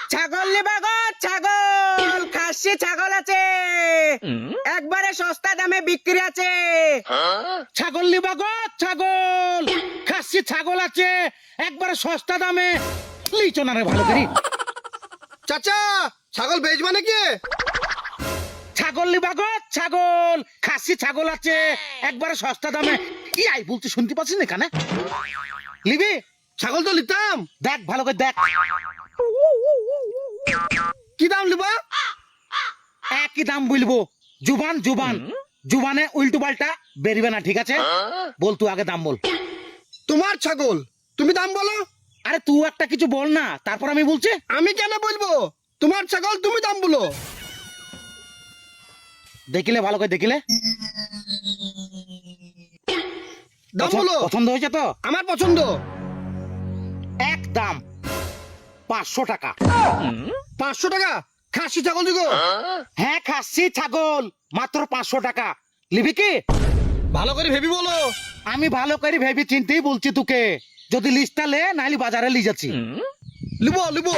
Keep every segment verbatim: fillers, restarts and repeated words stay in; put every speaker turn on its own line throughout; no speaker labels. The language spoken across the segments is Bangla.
ছাগল নিবা গো ছাগল, খাসি ছাগল আছে, একবারে সস্তা দামে বিক্রি আছে।
ছাগল নিবা গো ছাগল, খাসি ছাগল আছে একবারে সস্তা দামে। লিচো না রে ভালো করি।
চাচা ছাগল বেচবা নাকি?
ছাগল নিবা গো ছাগল, খাসি ছাগল আছে একবারে সস্তা দামে। কি আই বলতে শুনতে পাচ্ছিস না কানে? লিবি?
ছাগল তো নিতাম।
দেখ ভালো করে দেখ।
কি দাম নিবা?
একই দাম বলবো, জুবান জুবান জুবানে উল্টো পাল্টা বেরিবে না, ঠিক আছে? বল তুই আগে দাম বল।
তোমার ছাগল, তুমি দাম বলো।
আরে তুই একটা কিছু বল না, তারপর আমি বলছি।
আমি কেন বলবো? তোমার ছাগল, তুমি দাম বলো।
দেখিলে ভালো করে দেখিলে।
দাম বলো।
পছন্দ হয়েছে তো?
আমার পছন্দ।
এক দাম পাঁচশো টাকা।
পাঁচশো টাকা খাসি ছাগল দিগো?
হ্যাঁ খাসি ছাগল মাত্র পাঁচশো টাকা। লিবি কি?
ভালো করে ভেবি বলো।
আমি ভালো করে ভেবে চিন্তেই বলছি তোকে। যদি লিস্টটা লে, নাইলে বাজারে লি যাচ্ছি।
লিবো লিবো।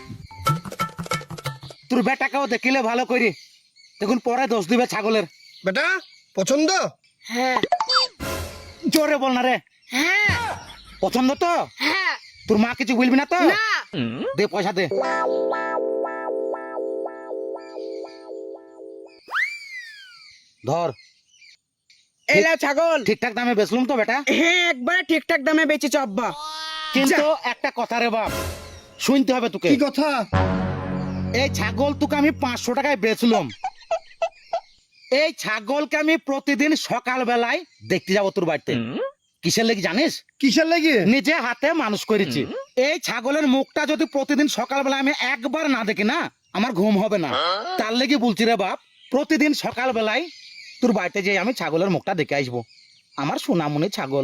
তোর বেটাকেও দেখিলে ভালো করি, দেখুন পরে দোষ দিবে ছাগলের।
বেটা পছন্দ?
হ্যাঁ
জোরে বল না রে।
হ্যাঁ
পছন্দ তো?
হ্যাঁ।
তোর মা কিছু বলবি না তো?
না।
দে পয়সা দে। ধর।
এলা ছাগল
ঠিকঠাক দামে বেচলুম তো বেটা?
হ্যাঁ একবারে ঠিকঠাক দামে বেচেছ আব্বা।
কিন্তু একটা কথা রে বাপ, শুনতে হবে তোকে।
কি কথা?
এই ছাগল তোকে আমি পাঁচশো টাকায় বেচলাম। এই ছাগলকে আমি প্রতিদিন সকাল বেলায় দেখতে যাবো তোর বাড়িতে। কিসের লেগে জানিস?
কিসের লাগি?
নিজে হাতে মানুষ করেছি। এই ছাগলের মুখটা যদি প্রতিদিন সকাল বেলায় আমি একবার না দেখি না, আমার ঘুম হবে না। তার লেগে বলছি রে বাপ, প্রতিদিন সকাল বেলায় তোর বাড়িতে যেয়ে আমি ছাগলের মুখটা দেখে আসবো। আমার সোনামণি ছাগল।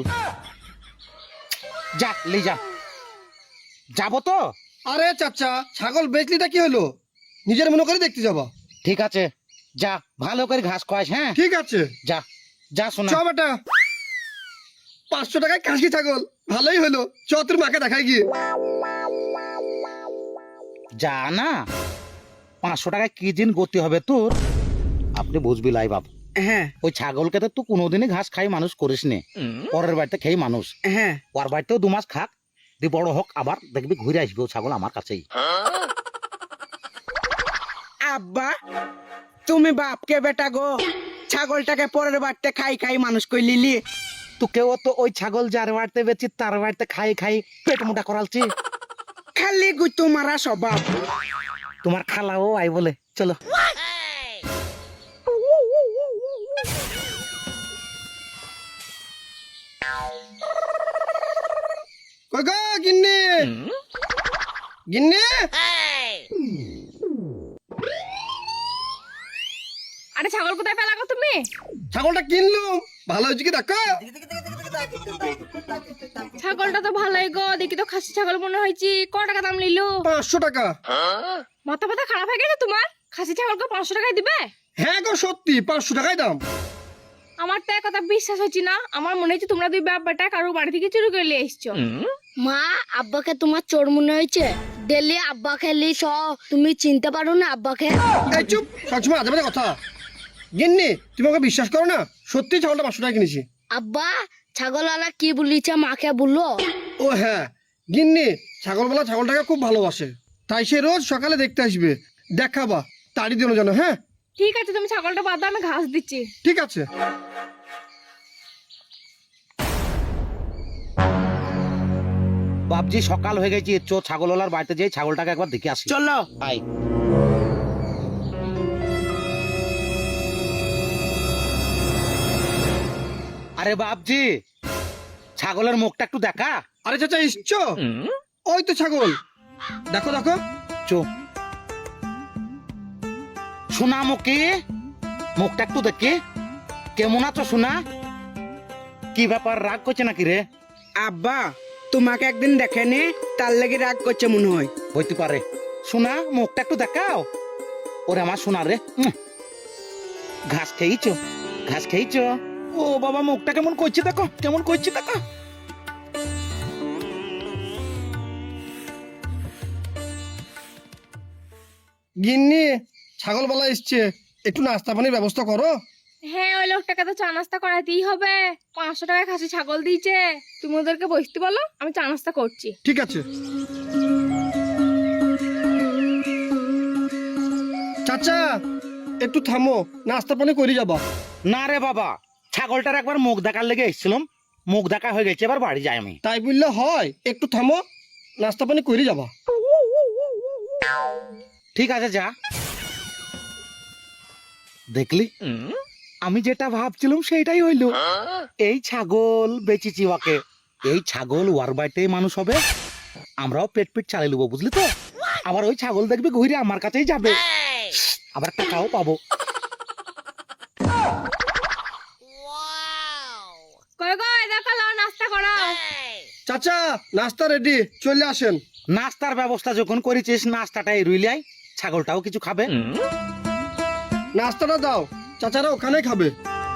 যা লে যা। যাবো তো?
আরে চাচা, ছাগল বেচলিটা কি হলো? নিজের মনে করে দেখতে যাবো।
ঠিক আছে যা, ভালো করে ঘাস খাওয়াস। হ্যাঁ
ঠিক আছে।
যা যা শোনা।
চ বেটা, পাঁচশো টাকায় খাসি ছাগল, ভালোই হলো। চ তোর মাকে দেখাই গিয়ে।
যা না, পাঁচশো টাকায় কি দিন গতি হবে তোর আপনি বুঝবি লাই বাপ।
হ্যাঁ
ওই ছাগলকে তো তুই কোনোদিনই ঘাস খাই মানুষ করিস নে। পরের বাড়িতে খেয়ে মানুষ।
হ্যাঁ
ওর বাড়িতেও দু মাস খাক, দি বড় হোক, আবার দেখবি ঘুরে আসবে ও ছাগল আমার কাছেই।
আব্বা তুমি বাপকে বেটা গো, ছাগলটাকে পরের বাড়িতে খাই খাই মানুষ কই লিলি।
তোকেও তো ওই ছাগল যার বাড়িতে বেচি তার বাড়িতে খাই খাই পেট মোটা করালছি।
খালি গুতো মারা স্বভাব।
তোমার খালাও আই বলে চলো।
কই গো গিন্নি, গিন্নি।
আরে ছাগল কোথায় ফেলা গো তুমি?
ছাগলটা কিনলুম, ভালো হয়েছে কি দেখো।
ছাগলটা তো ভালোই গো, দেখি তো খাসি ছাগল মনে হয়েছে। ক টাকা দাম নিলো?
পাঁচশো টাকা।
মাথা ব্যথা খারাপ হয়ে গেছে তোমার? খাসি ছাগলকে পাঁচশো টাকায় দিবে?
হ্যাঁ গো সত্যি, পাঁচশো টাকাই দাম।
আমার তো কথা বিশ্বাস হচ্ছে না। আমার মনে হচ্ছে তোমরা দুই বাপ বেটা কারো বাড়ি থেকে চুরি করে নিয়ে এসছো।
মা, আব্বাকে তোমার চোর মনে হয়েছে? ডেলি আব্বা খেলি স, তুমি চিনতে পারো না আব্বাকে?
এই চুপ, সবসময় আজে বাজে কথা। গিন্নি তুমি আমাকে বিশ্বাস করো না, সত্যি ছাগলটা পাঁচশো টাকা কিনেছি।
আব্বা, ছাগলওয়ালা কি বলিছে মাকে বললো?
ও হ্যাঁ, গিন্নি ছাগলওয়ালা ছাগলটাকে খুব ভালোবাসে, তাই সে রোজ সকালে দেখতে আসবে। দেখাবা তাড়ি দিল জানো। হ্যাঁ
ঠিক আছে, তুমি ছাগলটা বাদ দাও, আমি ঘাস দিচ্ছি।
ঠিক আছে।
বাপজি সকাল হয়ে গেছে, চো ছাগলওয়ালার বাড়িতে যেয়ে ছাগলটাকে একবার দেখে আসি।
চলো।
আই। আরে বাপজি, ছাগলের মুখটা একটু দেখা।
আরে চাচা এসছো? ওই তো ছাগল, দেখো দেখো।
চো সোনা মুখে মুখটা একটু দেখি। কেমন আছো সোনা? কি ব্যাপার, রাগ করছে নাকি রে?
আব্বা তোমাকে একদিন দেখেনি, তার লেগে রাগ করছে মনে হয়।
হইতে পারে। সোনা মুখটা একটু দেখাও। ওরে আমার সোনা রে, উম। ঘাস খেয়েছো? ঘাস খেয়েছো? ও বাবা, মুখটা কেমন করছে দেখো, কেমন করছে দেখো।
গিন্নি ছাগলবেলা এসছে, একটু নাস্তা পানির ব্যবস্থা করো।
হ্যাঁ ওই লোকটাকে তো চা নাস্তা করাতেই হবে, পাঁচশো টাকা খাসি ছাগল দিয়েছে। তুমি ওদেরকে বসতে বলো, আমি চা নাস্তা করছি।
ঠিক আছে। চাচা একটু থামো, নাস্তা পানি করে যাবা।
না রে বাবা, ছাগলটার একবার মুখ দেখার লেগে এসেছিলাম, মুখ দেখা হয়ে গেছে, এবার বাড়ি যাই আমি।
তাই বললে হয়, একটু থামো, নাস্তা পানি করে যাবা।
ঠিক আছে যা। দেখলি আমি যেটা ভাবছিলাম সেটাই হইলো। এই ছাগল বেচেছি ওকে, এই ছাগল ওয়ার বাড়িতে মানুষ হবে, আমরাও পেট পেট চালিয়ে নেবো, বুঝলি তো। আবার ওই ছাগল দেখবি ঘুরে আমার কাছেই যাবে, আবার টাকাও পাবো।
কই কই দেখো লাও নাস্তা করাও।
চাচা নাস্তা রেডি, চলে আসেন।
নাস্তার ব্যবস্থা যখন করেছিস, নাস্তাটাই রইলাই, ছাগলটাও কিছু খাবে।
নাস্তাটা দাও, চাচারা ওখানে খাবে।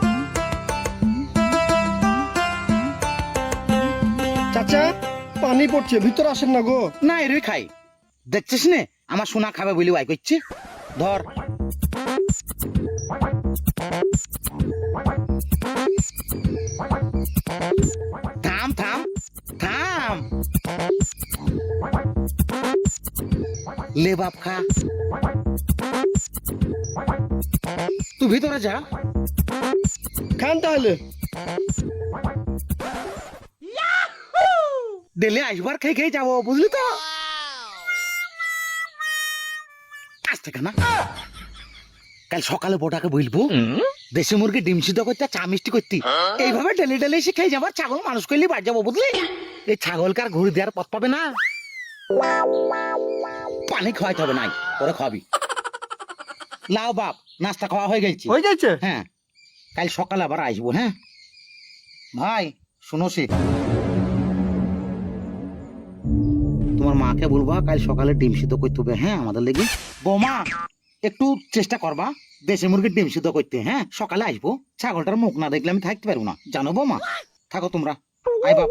চাচা পানি পড়ছে, ভিতরে আসেন না গো।
না এরই খাই, দেখছিস নে আমার সোনা খাবে বলি ওয়াই করছি। ধর থাম থাম থাম, লে বাপ খা, তুই ভিতরে যা।
খান তাহলে।
ডেলে আসবার খেয়ে খেয়ে যাবো, বুঝলি তো। আজ থেকে না, কাল সকালে বোটাকে বলবো দেশি মুরগি ডিম সিদ্ধ করতে, চা মিষ্টি করতে, এইভাবে ডেলি ডেলি এসে খেয়ে যাবার, ছাগল মানুষ করলে বাড়ি যাবো, বুঝলি। এই ছাগলকে আর ঘুরে দেওয়ার পথ পাবে না, পানি খাওয়াইতে হবে নাই, পরে খাওয়াবি। লাও বাপ, নাস্তা খাওয়া হয়ে গেছে।
হয়ে গেছে?
হ্যাঁ, কাল সকালে আবার আসবো। হ্যাঁ ভাই শুনো, সে তোমার মাকে বলবা কাল সকালে ডিম সিদ্ধ করতে হবে। হ্যাঁ আমাদের লেগে বৌমা একটু চেষ্টা করবা দেশি মুরগির ডিম সিদ্ধ করতে। হ্যাঁ সকালে আসবো, ছাগলটার মুখ না দেখলে আমি থাকতে পারবো না, জানো বৌমা। থাকো তোমরা, আই বাপ।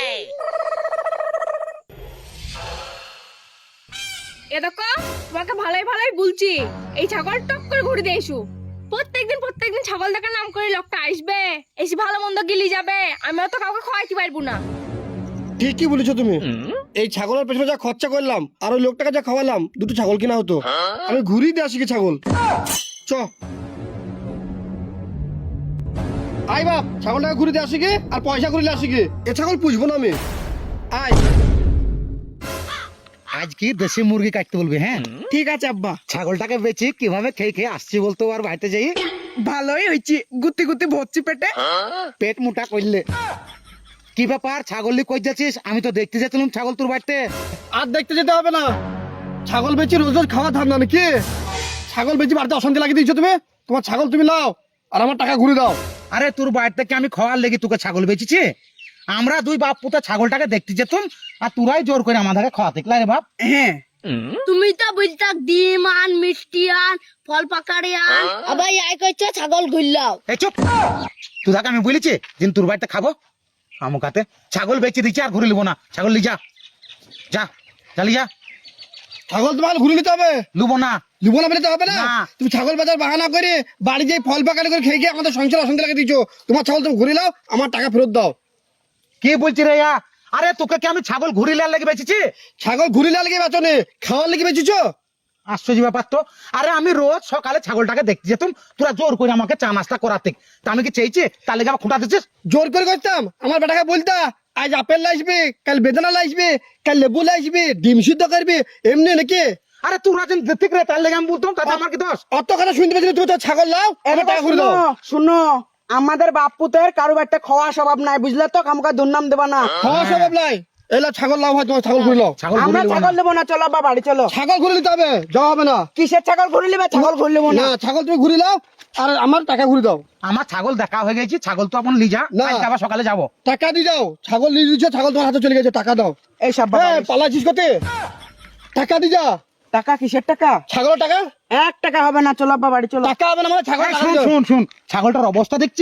এ দেখো তোমাকে ভালোই ভালোই বলছি, এই ছাগল টক করে ঘুরে দিয়ে এসো। প্রত্যেকদিন প্রত্যেকদিন ছাগল দেখার নাম করে লোকটা আসবে, এসে ভালো মন্দ গিলি যাবে, আমি তো কাউকে খাওয়াইতে পারবো না।
ঠিকই বলেছো তুমি। এই ছাগলের পেছনে যা খরচা করলাম আর ওই লোকটাকে যা খাওয়ালাম, দুটো ছাগল কিনা হতো। আমি ঘুরিয়ে দিয়ে আসি কি ছাগল। চ আই বাপ, ছাগলটাকে ঘুরিয়ে দিয়ে আসি কি, আর পয়সা ঘুরিয়ে আসি কি। এ ছাগল পুষবো না আমি। আয়।
আজ কি দেশি মুরগি কাটতে বলবি? হ্যাঁ
ঠিক আছে আব্বা।
ছাগলটাকে বেচি কিভাবে খেয়ে খেয়ে আসছি বলতো, আর বাড়িতে যাই
ভালোই হয়েছি, গুতি গুতি ভরছি পেটে।
পেট মোটা করলে। কি ব্যাপার ছাগল কই যাচ্ছিস? আমি তো দেখতে যাচ্ছিলাম ছাগল তোর বাড়িতে।
আর দেখতে যেতে হবে না, ছাগল বেচি রোজ রোজ খাওয়া ধার না নাকি? ছাগল বেচি বাড়িতে অশান্তি লাগিয়ে দিয়েছো তুমি। তোমার ছাগল তুমি লাও আর আমার টাকা ঘুরে দাও।
আরে তোর বাড়ি থেকে আমি খাওয়ার লেগে তোকে ছাগল বেচেছি? আমরা দুই বাপ পুতা ছাগলটাকে দেখতে যেতাম আর তোরাই জোর করে আমাদেরকে খাওয়াতে রে বাপ।
হ্যাঁ
তুমি তো বলতা ডিম আন, মিষ্টি আন, ফল পাকাড়ি আন, আবার আই কইছো ছাগল ঘুরলাও।
এই চুপ, তোদাকে আমি বলেছি যে তোর বাড়িতে খাবো? আমুকাতে ছাগল বেচে দিচ্ছি আর ঘুরে লিবো না, ছাগল লি যা যা চালি যা।
ছাগল তোমার ঘুরে নিতে হবে।
লুবো না।
লিবো না বলে তো হবে না।
না।
তুমি ছাগল বাজার বাহানা করে বাড়ি যেয়ে ফল পাকাড়ি করে খেয়ে গিয়ে আমাদের সংসার অশান্তি লাগিয়ে দিচ্ছ। তোমার ছাগল তুমি ঘুরে লাও, আমার টাকা ফেরত দাও।
কি বলছি রে ইয়া? আরে তোকে কি আমি ছাগল ঘুরি লাল লেগে বেচেছি?
ছাগল ঘুরে লাল লেগে বেচো নে, খাওয়ার লেগে বেচেছ।
আশ্চর্য ব্যাপার তো। আরে আমি রোজ সকালে ছাগলটাকে দেখতে যেতাম, তোরা জোর করে আমাকে চা নাস্তা করাতে, তা আমি কি চেয়েছি তার লেগে আমার খুঁটা দিচ্ছিস?
জোর করে করতাম? আমার বেটাকে বলতা আজ আপেল লাইসবে, কাল বেদানা লাইসবে, কাল লেবু লাইসবে, ডিম সিদ্ধ করবে, এমনি নাকি?
আরে তোরা যেন ঠিক রে তার লেগে আমি বলতাম, তাতে আমার কি দোষ?
অত কথা শুনতে পাচ্ছি না, তুমি তো ছাগল লাও, আমার টাকা ঘুরে দাও।
শুনো শুনো, আমাদের বাপ পুতের কারো একটা খাওয়া স্বভাব নাই, বুঝলে তো। কামকা দুর্নাম দেবা না।
খাওয়া স্বভাব নাই। এলা ছাগল লাও, হয় তোমার ছাগল ঘুরে লাও।
ছাগল
আমরা
ঘুরি
ছাগল নেবো না, চলো আব্বা বাড়ি চলো।
ছাগল ঘুরে নিতে হবে, যাওয়া হবে না।
কিসের ছাগল ঘুরে নেবে? ছাগল ঘুরে নেবো না।
না, ছাগল তুমি ঘুরে লাও আর আমার টাকা ঘুরে দাও।
আমার ছাগল দেখা হয়ে গেছে, ছাগল তো আপন লিজা,
না।
কালকে আবার সকালে যাবো।
টাকা দিয়ে যাও, ছাগল নিয়ে দিচ্ছ, ছাগল তোমার হাতে চলে গেছে, টাকা দাও।
এই সব
হ্যাঁ, পালাচ্ছিস কোতে? টাকা দিয়ে যা।
টাকা কিসের টাকা?
ছাগলের টাকা?
এক টাকা হবে না, চলো আব্বা বাড়ি চলো।
টাকা হবে না মানে ছাগল
এই
টাকা
শুন
দিয়ে দাও।
শুন শুন, ছাগলটার অবস্থা দেখছিস?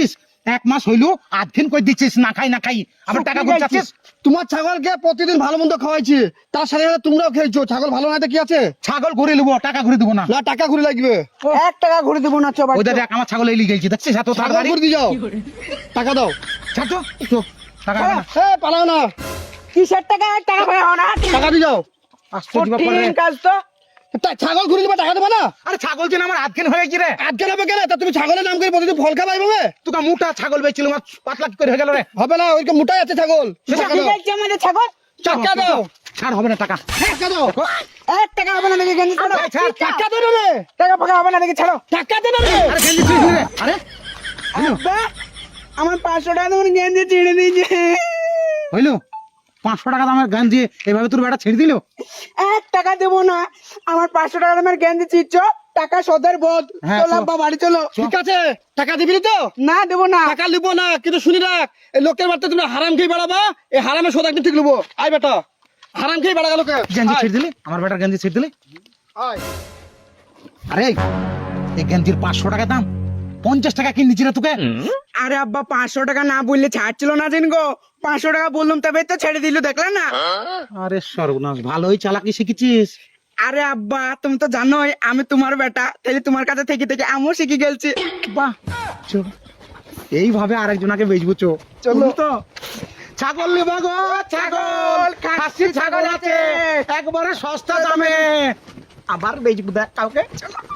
এক মাস হইলো আধখিন কই দিচ্ছিস না খাই না খাই আবার টাকা
শুকিয়ে
গুনছাচ্ছিস
গেছিস। তোমার ছাগলকে প্রতিদিন ভালো মন্দ খাওয়াইছি, তার সাথে সাথে তোমরাও খেয়েছো। ছাগল ভালো না তো কি আছে?
ছাগল ঘুরে নেবো, টাকা ঘুরে দেবো না।
না টাকা ঘুরে লাগবে।
এক টাকা ঘুরে দেবো না, চো
ওই দেখ আমার ছাগল এলি গেছি, দেখছিস এত
ছাগল
তাড়াতাড়ি।
ঘুরে দিয়ে যাও, টাকা দাও।
ছাড়তো তো টাকা হবে না।
হ্যাঁ পালাও না,
কিসের টাকা? এক টাকা হয়ে না,
টাকা দিয়ে যাও।
আশ্চর্য ব্যাপার রে।
কঠিন কাজ তো।
তা- ছাগল ঘুরে দিবা, টাকা দেবা না?
আরে ছাগল যে আমার আধখিন হয়ে গেছি রে।
আজকে নেবে কেন? তা তুমি ছাগলের নাম করে প্রতিদিন ফল খাবাই ভাবে?
তোকে মোটা ছাগল বেচছিল আমার পাতলা কি করে হয়ে গেল রে।
হবে না, ওইরকম মোটাই আছে ছাগল। টাকা
ঠিক
দাও,
আছে আমাদের ছাগল।
টাকা দাও,
ছাড় হবে না টাকা।
টাকা দাও,
এক টাকা হবে না নাকি গেঞ্জি ছাড়ো?
এই ছাড়,
টাকা দে না রে,
টাকা ফাঁকা হবে না নাকি ছাড়ো?
টাকা দে না রে।
আরে গেঞ্জি ছিঁড়ে দিলি রে। আরে
আব্বা, আমার পাঁচশো টাকা তোমার গেঞ্জি ছিঁড়ে দিয়েছে।
হইলো পাঁচশো টাকা দামের গেঞ্জি এইভাবে তোর বেটা ছেড়ে দিল।
এক টাকা দেবো না, আমার পাঁচশো টাকা দামের গেঞ্জি ছিঁড়ছো, টাকা সদের বোধ।
হ্যাঁ,
চলো
চল।
আব্বা বাড়ি চলো।
ঠিক আছে, টাকা দিবি না তো?
না দেবো না।
টাকা লিবো না, কিন্তু শুনি রাখ, এই লোকের বাড়িতে তুমি হারাম খেয়ে বেড়াবা, এই হারামের সোদ একদিন ঠিক লিবো। আয় বেটা, হারাম খেয়ে বেড়া গেল কে?
গেঞ্জি
আয়,
ছেড়ে দিলি, আমার বেটার গেঞ্জি ছেড়ে দিলি।
আয়।
আরে এই গেঞ্জির পাঁচশো টাকা দাম, পঞ্চাশ টাকা কিনে দিচ্ছি রে তোকে।
আরে আব্বা পাঁচশো টাকা না বললে ছাড়ছিল না জিন গো। পাঁচশো টাকা বললাম তবে তো ছেড়ে দিল, দেখলে না?
আরে সর্বনাশ, ভালোই চালাকি শিখেছিস।
আরে আব্বা তুমি তো জানোই আমি তোমার বেটা, তাহলে তোমার কাছে থেকে থেকে আমিও শিখে গেছি।
বাহ, চল এইভাবে আরেকজনাকে বেচবো। চো
চলো
তো ছাগল নিবা গো, ছাগল খাসি ছাগল আছে একবারে সস্তা দামে, আবার বেচবো দেখ কাউকে। চলো।